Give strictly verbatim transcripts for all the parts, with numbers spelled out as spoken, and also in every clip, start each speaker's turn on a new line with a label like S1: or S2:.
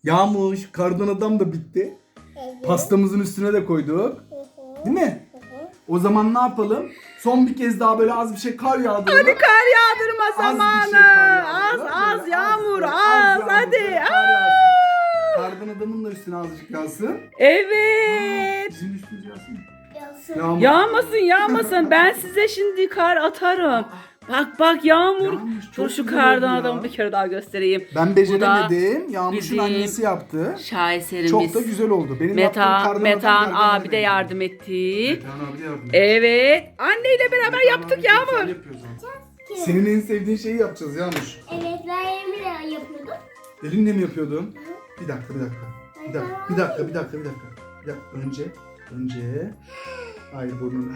S1: Yağmış, kardan adam da bitti.
S2: Evet.
S1: Pastamızın üstüne de koyduk.
S2: Hı hı.
S1: Değil mi?
S2: Hı hı.
S1: O zaman ne yapalım? Son bir kez daha böyle az bir şey kar yağdıralım.
S3: Hadi kar yağdırma
S1: Az bir
S3: zamanı.
S1: şey kar
S3: Az
S1: yağdıralım.
S3: az
S1: Böyle
S3: yağmur
S1: böyle
S3: az,
S1: yağmur,
S3: hadi.
S1: böyle kar
S3: Aa!
S1: yağsın. Kardan adamın da üstüne azıcık yağsın.
S3: Evet.
S1: Bizim üstümüz yağsın.
S2: Yağsın.
S1: Yağmur.
S3: Yağmasın yağmasın. Ben size şimdi kar atarım. Bak bak yağmur.
S1: Yağmış, çok
S3: Dur şu
S1: güzel
S3: kardan
S1: oldu ya.
S3: adamı bir kere daha göstereyim.
S1: Ben beceremedim. Yağmur'un
S3: bizim
S1: annesi yaptı.
S3: Şaheserimiz.
S1: Çok da güzel oldu. Benim yaptığım
S3: Metan,
S1: kardan
S3: Metan
S1: adam
S3: abi de
S1: gerçekten
S3: yardım etti.
S1: Metan abi de yardım etti.
S3: Evet. Anneyle beraber
S1: Metan
S3: yaptık
S1: abi de
S3: Yağmur.
S1: güzel yapıyor zaten. Senin en sevdiğin şeyi yapacağız Yağmur.
S2: Evet, ben Emre yapıyordum.
S1: Elinle mi yapıyordun? Bir dakika, bir dakika. Bir dakika, bir dakika, bir dakika, bir dakika. Bir dakika. Önce, önce. Hayır burnunu.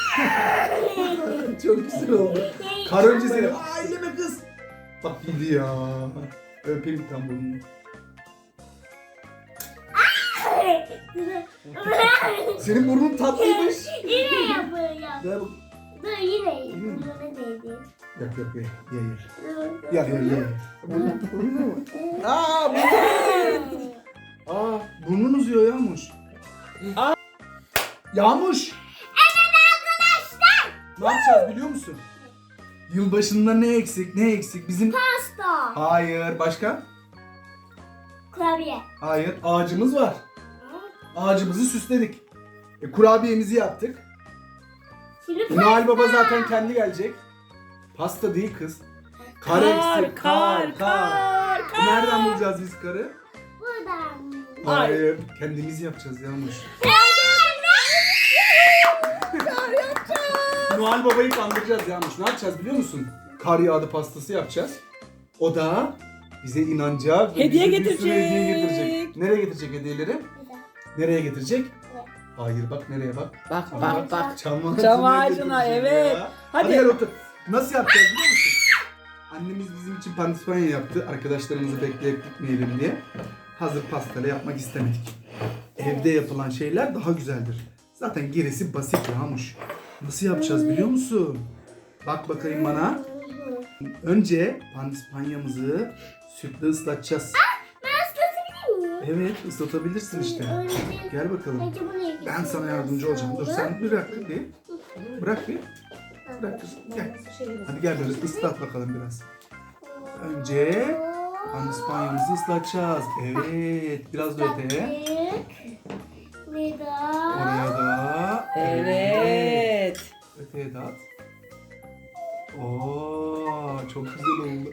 S1: Çok güzel oldu. Kar önce seni. Aa elleme kız. Bak gidi ya. Öpeyim tam burnunu. Senin burnun tatlıymış.
S2: Yine yapıyorum.
S1: Ver bak.
S2: Dur yine burnuna değdi.
S1: Yok yok ye ye ye.
S2: Dur.
S1: Ye ye ye. Burnun burnun mu? Aa burnun. Aa burnun uzuyor Yağmur. Aa. Yağmur.
S2: Evet arkadaşlar.
S1: Ne yapacağız biliyor musun? Yılbaşında ne eksik ne eksik bizim...
S2: Pasta.
S1: Hayır başka?
S2: Kurabiye.
S1: Hayır ağacımız var. Ağacımızı süsledik. E, kurabiyemizi yaptık.
S2: Şimdi
S1: E, Noel Baba zaten kendi gelecek. Pasta değil kız. Kar, eksik.
S3: kar, kar,
S1: E, Nereden bulacağız biz karı?
S2: buradan.
S1: Hayır. Kendimiz yapacağız Yağmur. Noel Baba'yı kandıracağız Yağmur. Ne yapacağız biliyor musun? Kar yağdı pastası yapacağız. O da bize inanacak. ve
S3: Hediye
S1: bize bir sürü
S3: getirecek.
S1: hediye getirecek. Nereye getirecek hediyeleri? Nereye getirecek? Hayır bak nereye bak.
S3: Bak bak bak.
S1: Çam ağacına,
S3: Çam ağacına,
S1: getirecek
S3: evet.
S1: ya.
S3: Hadi.
S1: Hadi gel otur. Nasıl yapacağız biliyor musun? Annemiz bizim için pandispanya yaptı. Arkadaşlarımızı bekleyip gitmeyelim diye. Hazır pastayla yapmak istemedik. Evde yapılan şeyler daha güzeldir. Zaten gerisi basit Yağmur. Nasıl yapacağız biliyor musun? Bak bakayım bana. Önce pandispanyamızı sütle ıslatacağız.
S2: Ben ıslatabilir miyim?
S1: Evet ıslatabilirsin işte. Gel bakalım.
S2: Önce bunu yapayım.
S1: Ben sana yardımcı olacağım. Dur sen bırak bir. Bırak bir. Bırak kızım. Gel. Hadi gel böyle ıslat bakalım biraz. Önce pandispanyamızı ıslatacağız. Evet. Biraz da öteye.
S2: Ve da.
S1: Oraya da.
S3: Evet.
S1: Öteye de at. Oo, çok güzel oldu.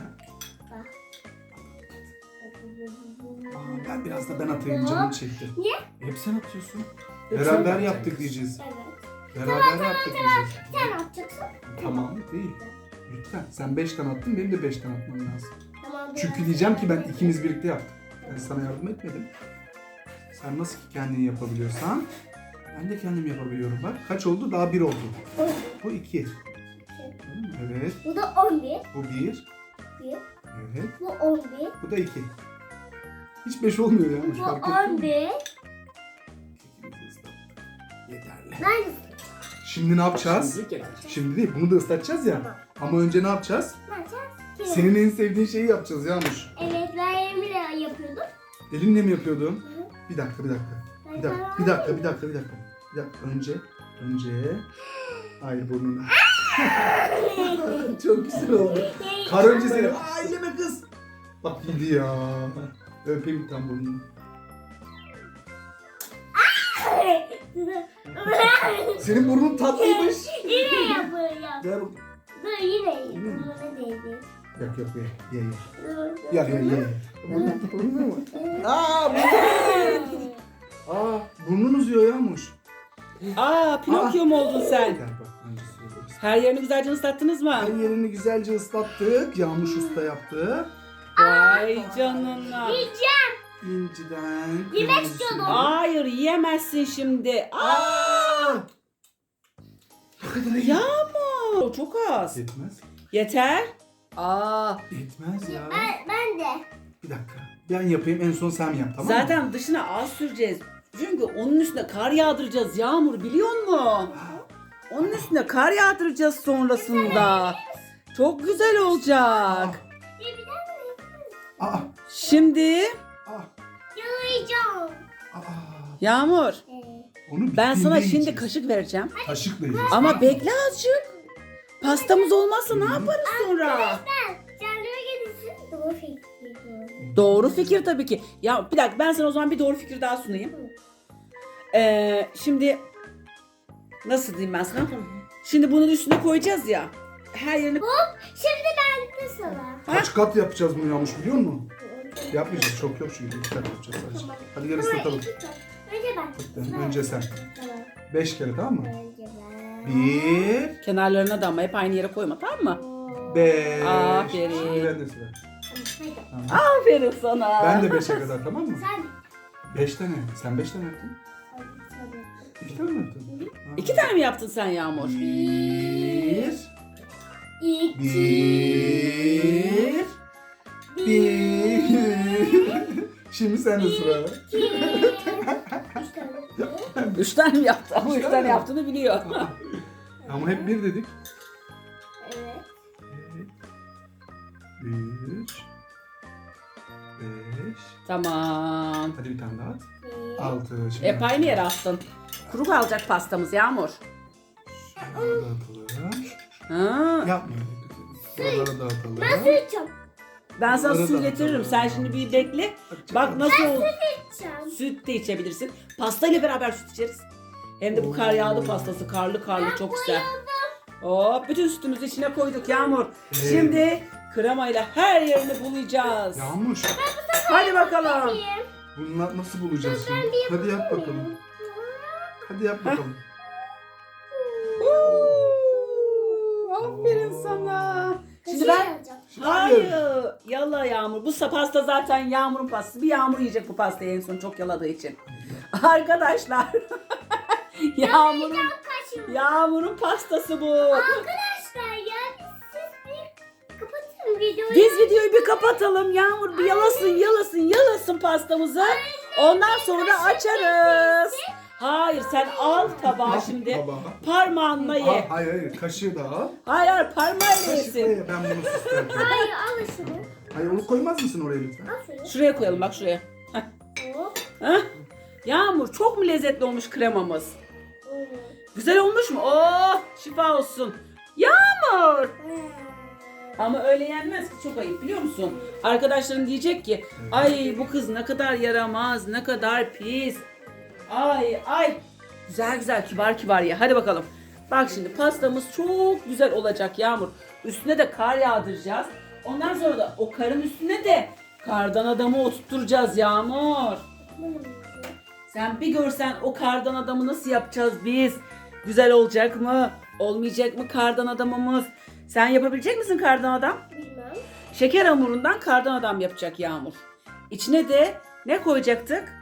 S1: Aa, ben biraz da ben atayım canım çekti.
S2: Niye?
S1: Hep sen atıyorsun.
S3: Hep sen
S1: Beraber
S3: atacaksın.
S1: yaptık diyeceğiz.
S2: Evet.
S1: Beraber yaptık diyeceğiz.
S2: Sen atacaksın.
S1: Tamam değil. Lütfen. Sen beş tane attın, benim de beş tane atmam lazım.
S2: Tamam.
S1: Çünkü diyeceğim ki ben ikimiz birlikte yaptık. Ben sana yardım etmedim. Sen nasıl ki kendini yapabiliyorsan ben de kendim yapabiliyorum bak. Kaç oldu? Daha bir oldu. Bu iki. Evet.
S2: Bu da on bir.
S1: Bu bir.
S2: Bir.
S1: Evet.
S2: Bu on bir.
S1: Bu da iki. Hiç beş olmuyor ya.
S2: Bu
S1: Fark ettin
S2: on
S1: mi?
S2: bir.
S1: Kekimizi ıslattık. Yeterli.
S2: Ben
S1: Şimdi ne yapacağız? Şimdi değil. Bunu da ıslatacağız ya. Ama önce ne yapacağız?
S2: ne yapacağız?
S1: Senin en sevdiğin şeyi yapacağız Yağmur.
S2: Evet, ben Emre yapıyordum.
S1: Elinle mi yapıyordun? Bir dakika, bir dakika.
S2: Ben
S1: Bir dakika,
S2: sana-
S1: bir dakika, bir dakika, bir dakika. Bir dakika. Önce, önce. Hayır burnunu. Çok güzel oldu. Kar önce seni. Aa elleme kız. Bak gidi ya. Öpeyim tam burnunu. Senin burnun tatlıymış.
S2: Yine yapıyorum.
S1: Ver bak.
S2: Dur yine burnuna değdi.
S1: Yok yok ye ye ye.
S2: Dur.
S1: Ye ye ye. Burnun mu? Aa burnun. Aa burnun uzuyor Yağmur.
S3: Aa Pinokyo mu oldun sen?
S1: Gel bak önce söylüyoruz.
S3: Her yerini güzelce ıslattınız mı?
S1: Her yerini güzelce ıslattık. Yağmur usta yaptı.
S3: Vay canına.
S2: Yiyeceğim.
S1: İnciden.
S2: Yemek
S1: kırmızısı.
S2: istiyordum.
S3: Hayır yiyemezsin şimdi. Aa!
S1: Ne kadar iyi.
S3: Yağmur. Çok az.
S1: Yetmez.
S3: Yeter. Aa.
S1: Yetmez ya.
S2: Ben, ben de.
S1: Bir dakika. Ben yapayım en son sen yap tamam mı?
S3: Zaten dışına az süreceğiz. Çünkü onun üstüne kar yağdıracağız Yağmur biliyor musun? Onun üstüne kar yağdıracağız sonrasında. Çok güzel olacak.
S2: Bir bir daha mı?
S1: Aa
S3: Şimdi
S1: Ah.
S2: Yalayacağım.
S1: Aa.
S3: Yağmur,
S2: Ee,
S1: Onu
S3: ben sana
S1: bittiğinde
S3: şimdi
S1: yiyeceğiz.
S3: kaşık vereceğim.
S1: Kaşıkla yiyeceğiz.
S3: Ama bekle azıcık. Pastamız olmazsa ne yaparız sonra?
S2: Ben kendime gelirsin. Doğru fikir.
S3: Doğru fikir tabii ki. Ya bir dakika, ben sana o zaman bir doğru fikir daha sunayım. Ee, şimdi nasıl diyeyim ben sana? Şimdi bunun üstüne koyacağız ya. Her yerini...
S2: Hop. Şimdi ben de sana.
S1: Kaç kat yapacağız bunu Yağmur biliyor musun? Yapmayacağız. Çok yok çünkü. İki kat yapacağız sadece. Hadi gel ıslatalım.
S2: Önce ben.
S1: Önce sen.
S2: Tamam.
S1: Beş kere tamam mı?
S2: Önce ben.
S1: Bir.
S3: Kenarlarına da ama hep aynı yere koyma, tamam mı?
S1: Beş.
S3: Aferin.
S1: Şimdi ben de sıra.
S2: Haydi.
S1: Tamam.
S3: Aferin sana.
S1: Ben de beşe kadar tamam mı?
S2: Sen.
S1: Beş tane. Sen beş tane yaptın.
S2: Sen.
S1: İki tane mi yaptın? Ha.
S3: İki tane mi yaptın sen Yağmur?
S1: Bir.
S2: İki.
S1: Bir. Bir. Şimdi sen de sıra.
S2: İki. Üç tane.
S3: Üç tane mi yaptı? Ama
S1: Üç
S3: üç
S1: tane
S3: tane
S1: mi?
S3: yaptığını biliyor.
S1: Ama hep bir dedik.
S2: Evet.
S1: Üç. Beş.
S3: Tamam.
S1: Hadi bir tane daha at.
S2: Bir.
S1: Altı. Şimdi
S3: Hep aynı yere attın. Kuru kalacak pastamız Yağmur.
S1: şuraları dağıtalım.
S3: Ha.
S1: Yapmayalım. Buraları dağıtalım.
S2: Ben su içeceğim.
S3: Ben sana
S1: Bunları
S3: su
S1: da
S3: getiririm.
S1: atalım.
S3: Sen şimdi bir bekle. Bak nasıl oldu.
S2: İçeceğim.
S3: Süt de içebilirsin. Pastayla beraber süt içeriz. Hem de bu kar yağdı pastası. Karlı karlı çok güzel. Hop, bütün sütümüzü içine koyduk Yağmur.
S1: Evet.
S3: Şimdi kremayla her yerini bulayacağız.
S1: Yağmur.
S3: Hadi bakalım.
S1: Bunlar nasıl bulacağız şimdi? Hadi yap bakalım. Hadi yap bakalım.
S3: Oo, aferin sana. Şimdi ben... Hayır. Yala Yağmur. Bu pasta zaten Yağmur'un pastası. Bir Yağmur yiyecek bu pastayı en son çok yaladığı için. Arkadaşlar. Yağmur'un Yağmur'un pastası bu.
S2: Arkadaşlar ya siz bir kapatın videoyu.
S3: Biz videoyu bir kapatalım. Yağmur bir yalasın, yalasın, yalasın pastamızı. Ondan sonra açarız. Hayır, sen al tabağı şimdi.
S1: Tabağı.
S3: Parmağınla
S1: Al,
S3: ye.
S1: hayır hayır kaşığı da al.
S3: Hayır, hayır, parmağıyla
S1: Kaşıkla
S3: yesin.
S1: ye ben bunu süslerken.
S2: Hayır al şunu.
S1: Hayır onu koymaz mısın oraya lütfen?
S2: Al şunu.
S3: Şuraya koyalım bak şuraya. Heh.
S2: Hop.
S3: Heh. Yağmur çok mu lezzetli olmuş kremamız?
S2: Evet.
S3: Güzel olmuş mu? Oh, şifa olsun. Yağmur. Ama öyle yenmez ki, çok ayıp biliyor musun? Arkadaşların diyecek ki ay bu kız ne kadar yaramaz, ne kadar pis. Ay ay. Güzel güzel, kibar kibar ye. Hadi bakalım. Bak şimdi pastamız çok güzel olacak Yağmur. Üstüne de kar yağdıracağız. Ondan sonra da o karın üstüne de kardan adamı oturtturacağız Yağmur. Sen bir görsen o kardan adamı nasıl yapacağız biz? Güzel olacak mı? Olmayacak mı kardan adamımız? Sen yapabilecek misin kardan adam?
S2: Bilmem.
S3: Şeker hamurundan kardan adam yapacak Yağmur. İçine de ne koyacaktık?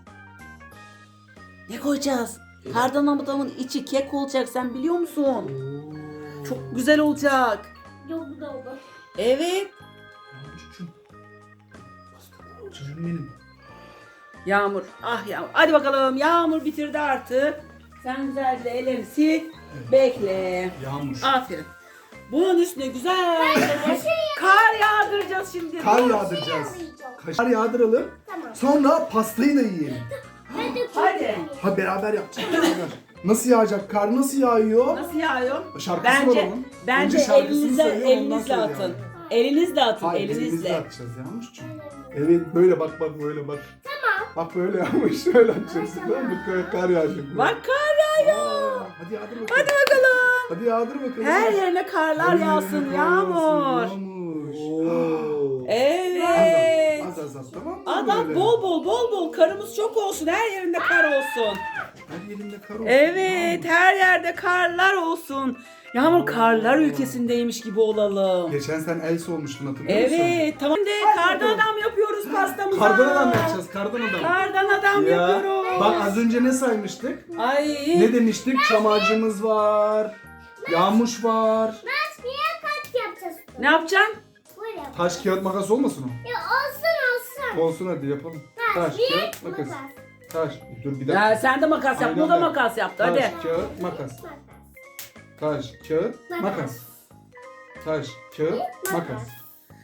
S3: Ne koyacağız? Kardan adamın içi kek olacak, sen biliyor musun? Çok güzel olacak.
S2: Yok bu da oldu.
S3: Evet.
S1: Yağmurcuğum. Çocuğum benim.
S3: Yağmur, ah Yağmur. Hadi bakalım, Yağmur bitirdi artık. Sen güzelce ellerini sil. Bekle.
S1: Yağmur.
S3: Aferin. Bunun üstüne güzel kar yağdıracağız şimdi.
S1: Kar yağdıracağız. Kar yağdıralım.
S2: Tamam.
S1: Sonra pastayı da yiyelim.
S2: Ben de
S3: Hadi.
S1: Ha beraber yapacağız. beraber. Nasıl yağacak? Kar nasıl yağıyor?
S3: Nasıl yağıyor?
S1: Şarkısı
S3: Bence
S1: var onun.
S3: bence
S1: Önce şarkısını
S3: elinizle
S1: söylüyor, ondan
S3: elinizle
S1: sonra
S3: atın.
S1: yağıyor.
S3: Elinizle atın,
S1: Hayır elimizle
S3: elinizle.
S1: atacağız Yağmurcuğum. Evet böyle bak bak böyle bak.
S2: Tamam.
S1: Bak böyle Yağmur şöyle atacaksın. Tamam mı? Kar, kar yağacak. böyle.
S3: Bak kar yağıyor.
S1: Aa, hadi yağdır bakalım.
S3: Hadi bakalım.
S1: Hadi yağdır bakalım.
S3: Her yerine karlar
S1: Her yerine
S3: yağsın
S1: kar
S3: Yağmur.
S1: Yağmur. Oo.
S3: Evet.
S1: Az az az tamam mı?
S3: Adam
S1: böyle?
S3: bol bol bol bol karımız çok olsun. Her yerinde kar olsun.
S1: Her yerinde kar olsun.
S3: Evet,
S1: Yağmur.
S3: her yerde karlar olsun. Yağmur karlar ülkesindeymiş gibi olalım.
S1: Geçen sen Elsa olmuştun hatırlıyor musun?
S3: Evet, tamam de kardan
S1: bakalım.
S3: adam yapıyoruz pastamıza.
S1: Kardan adam yapacağız kardan adam.
S3: Kardan adam
S1: Ya,
S3: yapıyoruz.
S1: bak az önce ne saymıştık?
S3: Ay.
S1: Ne demiştik? Çam ağacımız var. Yağmuş var.
S2: Ben niye kaç yapacağız?
S3: Ne yapacaksın?
S2: Böyle yap.
S1: Taş kağıt makas olmasın o?
S2: Ya olsun olsun.
S1: Olsun hadi yapalım. Taş
S2: Bir
S1: kağıt makas.
S2: makas.
S1: Taş. Dur bir dakika.
S3: Ya sen de makas yap,
S1: Aynen
S3: bu da
S1: ben.
S3: makas yaptı. Hadi.
S1: Taş kağıt makas. Taş kağıt makas. Taş kağıt makas.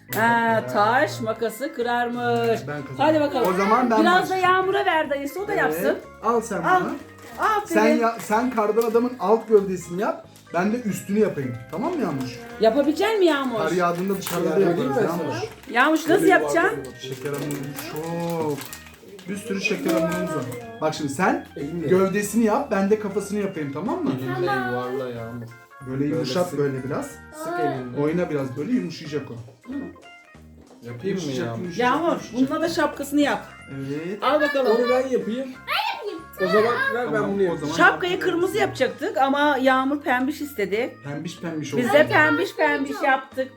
S3: Ha, taş makası kırarmış.
S1: Ben kazandım.
S3: Hadi bakalım.
S1: O zaman ben
S3: Biraz da
S1: başlayayım.
S3: Yağmur'a ver dayısı, o da yapsın.
S1: Evet, al sen
S3: Al.
S1: bunu.
S3: Aferin.
S1: Sen ya, sen kardan adamın alt gövdesini yap. Ben de üstünü yapayım. Tamam mı Yağmur?
S3: Yapabilecek mi Yağmur?
S1: Kar yağdığında dışarıda da
S4: Yani
S1: yaparız
S4: ben
S1: Yağmur.
S4: sana.
S3: Yağmur nasıl yapacaksın?
S1: Şeker hamurumuz çok. Bir sürü şeker hamurumuz var. Bak şimdi sen
S4: Elinle.
S1: gövdesini yap, ben de kafasını yapayım, tamam mı?
S4: Elinle yuvarla Yağmur.
S1: Böyle yumuşat
S4: sık.
S1: böyle biraz.
S4: Sık elinle.
S1: Oyna biraz böyle, yumuşayacak o.
S4: Yapayım mı
S1: Yumuşayacak,
S4: Yağmur?
S1: yumuşayacak,
S3: Yağmur
S1: yumuşayacak.
S3: bununla da şapkasını yap.
S1: Evet.
S3: Al bakalım.
S4: Onu ben yapayım. O zaman ver ben
S1: Tamam,
S4: bunu
S1: o
S4: yapayım.
S1: zaman-
S3: Şapkayı kırmızı yapacaktık ama Yağmur pembiş istedi.
S1: Pembiş pembiş oldu.
S3: Biz de pembiş pembiş yaptık.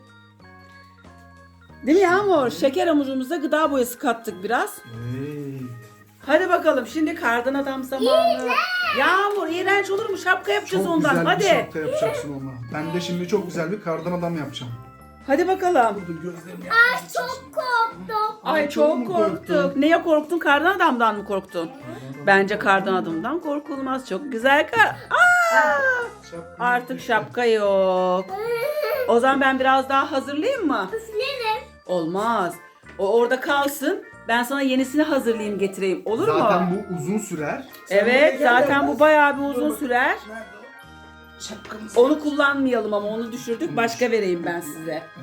S3: Değil mi Yağmur? Şeker hamurumuza gıda boyası kattık biraz.
S1: Evet.
S3: Hadi bakalım şimdi kardan adam zamanı. Yağmur iğrenç olur mu? Şapka yapacağız
S1: Çok
S3: ondan.
S1: güzel
S3: Hadi.
S1: bir şapka yapacaksın onunla. Ben de şimdi çok güzel bir kardan adam yapacağım.
S3: Hadi bakalım.
S1: Burada gözlerimi
S2: Çok korktum.
S3: Ay
S1: çok
S3: çok
S1: mu
S3: korktuk.
S1: korktun?
S3: Neye korktun? Kardan adamdan mı korktun? Bence kardan adamdan korkulmaz. Çok güzel kar. Aa! Artık şapka yok. O zaman ben biraz daha hazırlayayım mı?
S2: Üflerim.
S3: Olmaz. O orada kalsın. Ben sana yenisini hazırlayayım getireyim. Olur mu?
S1: Zaten bu uzun sürer.
S3: Evet,
S4: Sen buraya gel
S3: zaten
S4: biraz.
S3: bu bayağı bir uzun sürer.
S1: Nerede o? Şapkamız.
S3: Onu kullanmayalım ama onu düşürdük. Başka vereyim ben size.
S2: Evet.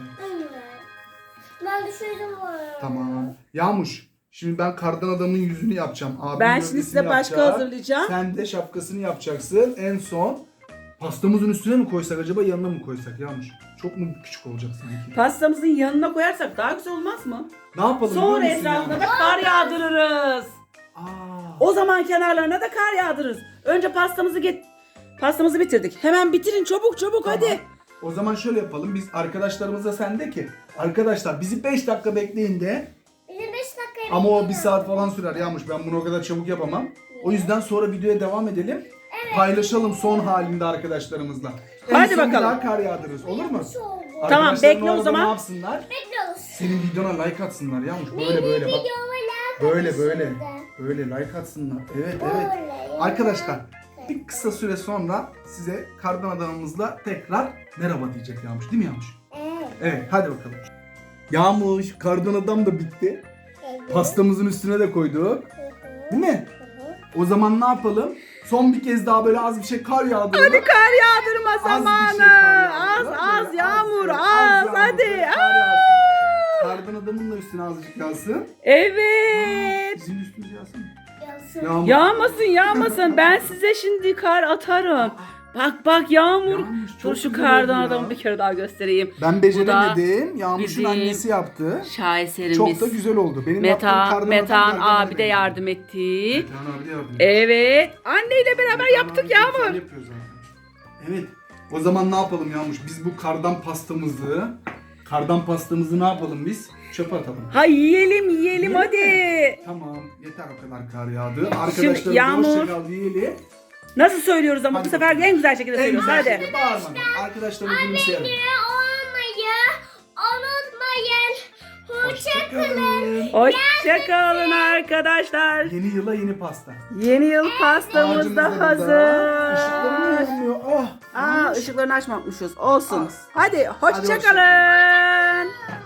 S2: Ben düşürdüm bu arada.
S1: Tamam. Yağmuş. Şimdi ben kardan adamın yüzünü yapacağım. Abim
S3: Ben şimdi
S1: gövdesini
S3: size başka
S1: yapacak.
S3: hazırlayacağım.
S1: Sen de şapkasını yapacaksın. En son pastamızın üstüne mi koysak acaba, yanına mı koysak Yağmuş? Çok mu küçük olacak sanki?
S3: Pastamızın yanına koyarsak daha güzel olmaz mı?
S1: Ne yapalım
S3: Sonra
S1: biliyor musun
S3: etrafına da
S1: Yağmuş?
S3: kar yağdırırız.
S1: Aa,
S3: O zaman kenarlarına da kar yağdırırız. Önce pastamızı get pastamızı bitirdik. Hemen bitirin çabuk çabuk
S1: tamam.
S3: hadi.
S1: O zaman şöyle yapalım. Biz arkadaşlarımıza sen de ki arkadaşlar bizi beş dakika bekleyin de,
S2: Bizim beş dakikaya
S1: ama o bir
S2: bekliyorum.
S1: saat falan sürer Yağmuş. Ben bunu o kadar çabuk yapamam. O yüzden sonra videoya devam edelim. Paylaşalım son halinde arkadaşlarımızla. En
S3: Hadi
S1: son bir
S3: bakalım.
S1: daha kar yağdırırız. Olur mu?
S2: Şu oldu.
S3: Tamam,
S1: Arkadaşların
S3: bekle o
S1: arada
S3: zaman.
S1: Ne yapsınlar?
S2: Bekliyoruz.
S1: Senin videona like atsınlar Yağmuş. Böyle böyle bak.
S2: Videoma like
S1: Böyle
S2: atın
S1: böyle.
S2: şimdi.
S1: Böyle like atsınlar. Evet evet.
S2: Böyle.
S1: Arkadaşlar bir kısa süre sonra size kardan adamımızla tekrar merhaba diyecek Yağmuş. Değil mi Yağmuş?
S2: Evet.
S1: Evet hadi bakalım. Yağmuş, kardan adam da bitti.
S2: Evet.
S1: Pastamızın üstüne de koyduk.
S2: Hı hı.
S1: Değil mi? O zaman ne yapalım? Son bir kez daha böyle az bir şey kar yağdıralım.
S3: Hadi kar yağdırma
S1: Az bir şey
S3: zamanı.
S1: kar
S3: Az
S1: yağdıralım.
S3: az
S1: Böyle
S3: yağmur
S1: böyle
S3: az,
S1: yağmur,
S3: hadi.
S1: böyle kar
S3: Aa!
S1: yağsın. Kardan adamın da üstüne azıcık yağsın.
S3: Evet.
S1: Bizim üstümüz yağsın mı?
S2: Yansın.
S1: Yağmur.
S3: Yağmasın yağmasın. Ben size şimdi kar atarım. Bak bak Yağmur.
S1: Yağmuş,
S3: Dur
S1: çok
S3: şu
S1: güzel
S3: kardan
S1: oldu ya.
S3: adamı bir kere daha göstereyim.
S1: Ben beceremedim. Yağmur'un
S3: bizim
S1: annesi yaptı.
S3: Şaheserimiz.
S1: Çok da güzel oldu. Benim yaptığım
S3: Metan,
S1: kardan
S3: Metan
S1: adam kardan
S3: abi de
S1: adama
S3: yardım etti.
S1: benziyor. Metan abi de yardım etti.
S3: Evet. Anneyle beraber
S1: Metan
S3: yaptık
S1: abi güzel
S3: Yağmur.
S1: yapıyor zaten. Evet. O zaman ne yapalım Yağmur? Biz bu kardan pastamızı, kardan pastamızı ne yapalım biz? Çöpe atalım.
S3: Ha yiyelim yiyelim
S1: Yiyelim
S3: hadi.
S1: mi? Tamam. Yeter o kadar kar yağdı. Arkadaşlarımıza
S3: Yağmur-
S1: hoşça kal diyelim.
S3: Nasıl söylüyoruz ama
S1: Hadi
S3: bu sefer
S1: bakalım.
S3: en güzel şekilde
S1: En
S3: söylüyoruz
S1: güzel
S3: hadi.
S1: şekilde bağırmadan. Arkadaşlarımızı gülümseyelim.
S2: olmayı unutmayın.
S1: Hoşçakalın.
S3: Hoşçakalın arkadaşlar.
S1: Yeni yıla yeni pasta.
S3: Yeni yıl pastamız
S1: Ağacımız
S3: da
S1: da burada.
S3: hazır.
S1: Işıklarım mı yanmıyor? Ah.
S3: Aa ışıklarını açmamışız. Olsun.
S1: Az.
S3: Hadi
S1: Hadi
S3: hoşçakalın.